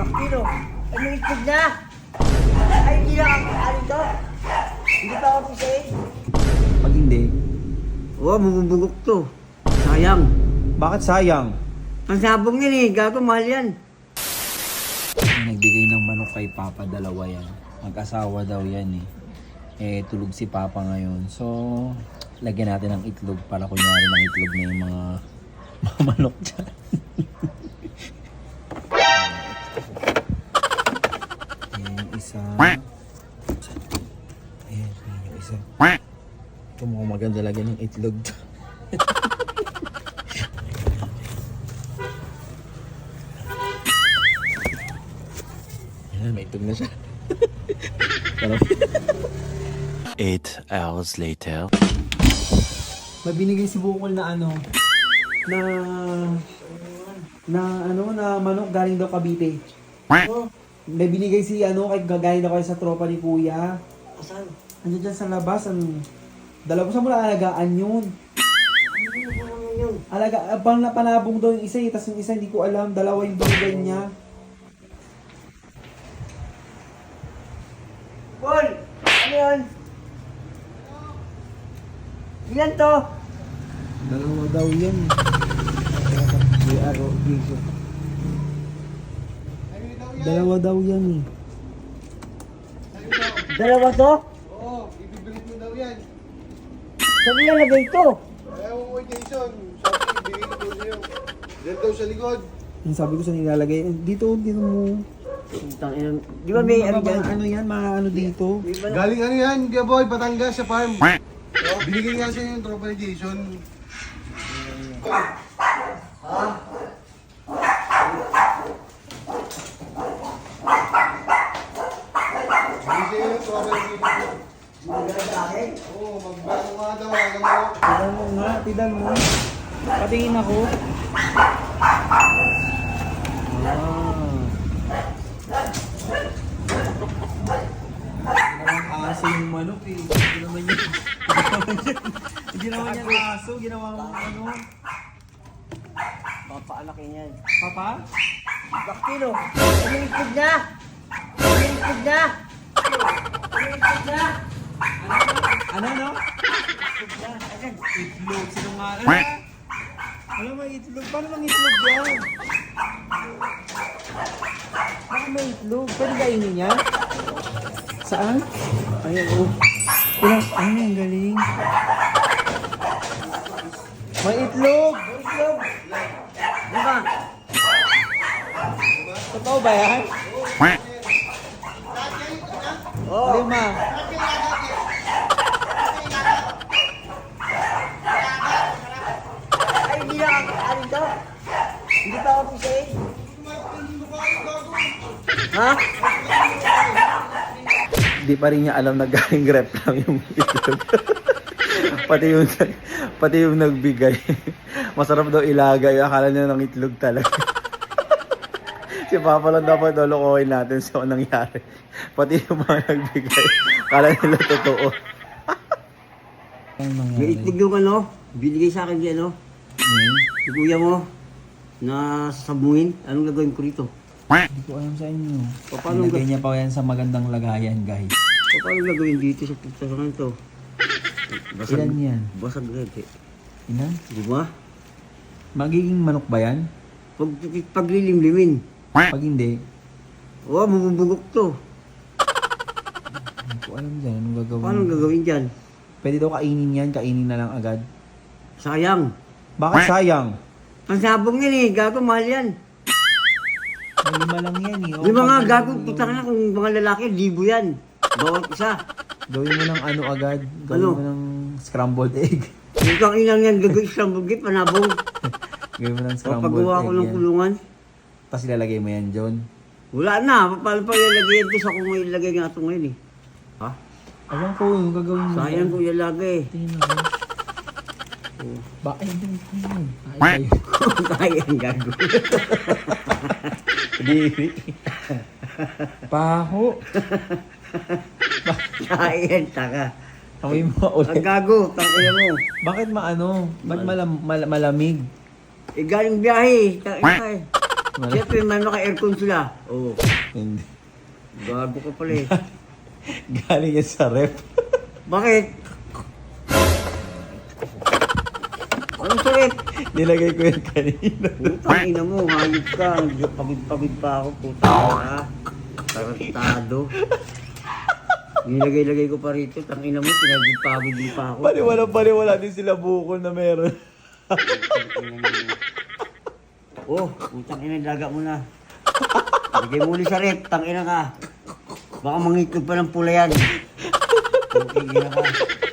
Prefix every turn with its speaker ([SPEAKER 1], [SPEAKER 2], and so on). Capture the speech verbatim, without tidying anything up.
[SPEAKER 1] Kilo, ano itlog na? Ay, hindi na ang ano to? Hindi pa ako pisahin.
[SPEAKER 2] Pag hindi,
[SPEAKER 1] Oo, bububugok to. Sayang.
[SPEAKER 2] bakit sayang?
[SPEAKER 1] Ang sabong yan eh, gago, mahal yan.
[SPEAKER 2] Nagbigay ng manok kay Papa, dalawa yan. Mag-asawa daw yan eh. Eh, tulog si Papa ngayon. So, lagyan natin ng itlog para kunyari ng itlog na yung mga, mga manok dyan. Ayan yung isa. Ayan, ayan yung isa. Ito mukhang maganda lagyan ng itlog. Ayan, may itlog na siya. Parang
[SPEAKER 3] Eight hours later.
[SPEAKER 2] may binigay si Bukol na ano, na, na ano, na manok galing daw Cavite.
[SPEAKER 1] Oh,
[SPEAKER 2] May binigay si ano, kay galing daw kayo sa tropa ni Kuya.
[SPEAKER 1] asan?
[SPEAKER 2] Ano dyan sa labas, ang dalawa sa mula alagaan yun.
[SPEAKER 1] Ano mo yun?
[SPEAKER 2] Alaga, abang na panabong daw yung isa eh, tas yung isa hindi ko alam, dalawa yung binigay niya.
[SPEAKER 1] Paul, ano yun? Ilan to?
[SPEAKER 2] Dalawa daw yan. May araw, giso. Dalawa daw yan eh.
[SPEAKER 1] Dalawa to?
[SPEAKER 4] Oo, ibibigit mo daw yan.
[SPEAKER 1] Sabi na lagay to.
[SPEAKER 4] Ayaw mo kay Jason. Sabi, ibigit mo sa'yo. Diyan daw sa likod.
[SPEAKER 2] Yung sabi ko sa nilalagay, eh, dito, dito mo.
[SPEAKER 1] Putang ina. Di ba may ano
[SPEAKER 2] Mababa-
[SPEAKER 1] dyan?
[SPEAKER 2] ano yan, mga ano dito.
[SPEAKER 1] Di ba na-
[SPEAKER 4] Galing ano yan, Kuya Boy, Batangas sa farm. Oh, binigay nga sa'yo yung tropa ni Jason. Binigay sa'yo yung tropa ni Jason.
[SPEAKER 1] Maganda sa akin?
[SPEAKER 4] Oo, magbago nga daw. Alam mo.
[SPEAKER 2] Tidan mo nga, tidan mo. Patingin ako. Ah. Aso yung manok eh. Hindi naman yan. Hindi naman yan aso. Ginawa mo ano.
[SPEAKER 1] Papaalakin yan.
[SPEAKER 2] Papa?
[SPEAKER 1] Bakilo, ano itlog na? Ano itlog na? Ano itlog na?
[SPEAKER 2] Ano no?
[SPEAKER 1] Itlog na. Asan?
[SPEAKER 2] Itlog. Sinungaling. Alam mo itlog. Paano mang itlog yan? Baka may itlog. Pwede kainin yan? Saan? Ayan oh. Ilang, ay ang galing. May itlog!
[SPEAKER 1] Ano itlog? Di ba?
[SPEAKER 2] Totoo ba yan?
[SPEAKER 1] Oo.
[SPEAKER 2] Lima.
[SPEAKER 1] Ay, hindi na ang ano to? Hindi pa ako pisahin. Ha?
[SPEAKER 2] Di pa rin niya alam na galing rep lang yung itlog. pati yung pati yung nagbigay. Masarap daw ilagay. Akala niya ng itlog talaga. Si Papa lang dapat lolokohin natin sa nangyari. Pati yung mga nagbigay. Akala nila totoo.
[SPEAKER 1] May itlog yung ano, binigay sa akin yung ano, si kuya mo, na sabungin. Anong gagawin ko rito?
[SPEAKER 2] Hindi ko alam sa inyo.
[SPEAKER 1] Paano
[SPEAKER 2] Nilagay
[SPEAKER 1] ga-
[SPEAKER 2] niya pa yan sa magandang lagayan, guys.
[SPEAKER 1] O, paano gagawin dito sa pagsasangan to?
[SPEAKER 2] Ilan yan?
[SPEAKER 1] Basag red eh.
[SPEAKER 2] Ilan?
[SPEAKER 1] Di ba?
[SPEAKER 2] Magiging manok ba yan?
[SPEAKER 1] Pag, paglilimlimin.
[SPEAKER 2] Pag hindi,
[SPEAKER 1] Oo, bububugok to.
[SPEAKER 2] hindi ko alam dyan. Anong gagawin?
[SPEAKER 1] Paano gagawin dyan?
[SPEAKER 2] Pwede daw kainin yan, kainin na lang agad.
[SPEAKER 1] Sayang.
[SPEAKER 2] Bakit sayang?
[SPEAKER 1] Ang sabong yan eh, gago, mahal yan.
[SPEAKER 2] May lima lang yan eh.
[SPEAKER 1] Yung mga
[SPEAKER 2] pag-
[SPEAKER 1] gago, putang na kung mga lalaki, libo yan. Bawat isa.
[SPEAKER 2] Gawin mo ng ano agad. Gawin
[SPEAKER 1] Ano?
[SPEAKER 2] mo ng scrambled egg.
[SPEAKER 1] Yung kang inang yan, gagawin sa bugit, panabong.
[SPEAKER 2] Gawin mo ng
[SPEAKER 1] O,
[SPEAKER 2] scrambled
[SPEAKER 1] paggawa ko
[SPEAKER 2] egg
[SPEAKER 1] ng
[SPEAKER 2] yan.
[SPEAKER 1] kulungan.
[SPEAKER 2] Tapos ilalagay mo yan, John.
[SPEAKER 1] Wala na, paano pa ilalagay yan sa kung may ilagay nga ito ngayon eh. Ha?
[SPEAKER 2] Alam ko, yung gagawin mo.
[SPEAKER 1] Sayang kung ilalagay.
[SPEAKER 2] Tingin ako. Ba, ay, hindi ko yun. Ay, ay.
[SPEAKER 1] Kaya ang gago.
[SPEAKER 2] Diri. Paho.
[SPEAKER 1] Kaya yan, taka.
[SPEAKER 2] Amoy mo
[SPEAKER 1] Ang
[SPEAKER 2] ulit.
[SPEAKER 1] gago, tangkaya mo.
[SPEAKER 2] Bakit maano? Ba't malam, mal- malamig?
[SPEAKER 1] Eh, galing biyahe. Kaya eh. Siyempre, may naka-aircon sila. Oo.
[SPEAKER 2] Hindi.
[SPEAKER 1] Gago ka pala eh.
[SPEAKER 2] Galing yan sa rep.
[SPEAKER 1] Bakit? Anong sakit?
[SPEAKER 2] Nilagay ko yan kanina.
[SPEAKER 1] Putang ina mo, hayop ka. Pagod-pagod pa ako, putang ka. Tarantado. Nilagay-lagay ko pa rito. Tang ina mo, pinagod-pagod mo pa ako.
[SPEAKER 2] Paliwala-paliwala din sila bukol na meron.
[SPEAKER 1] Oh, putang ina, laga mo na. Lagay mo ulit sa rep, tang ina ka. Baka mangitlog pa ng pula yan. Okay, ina ka.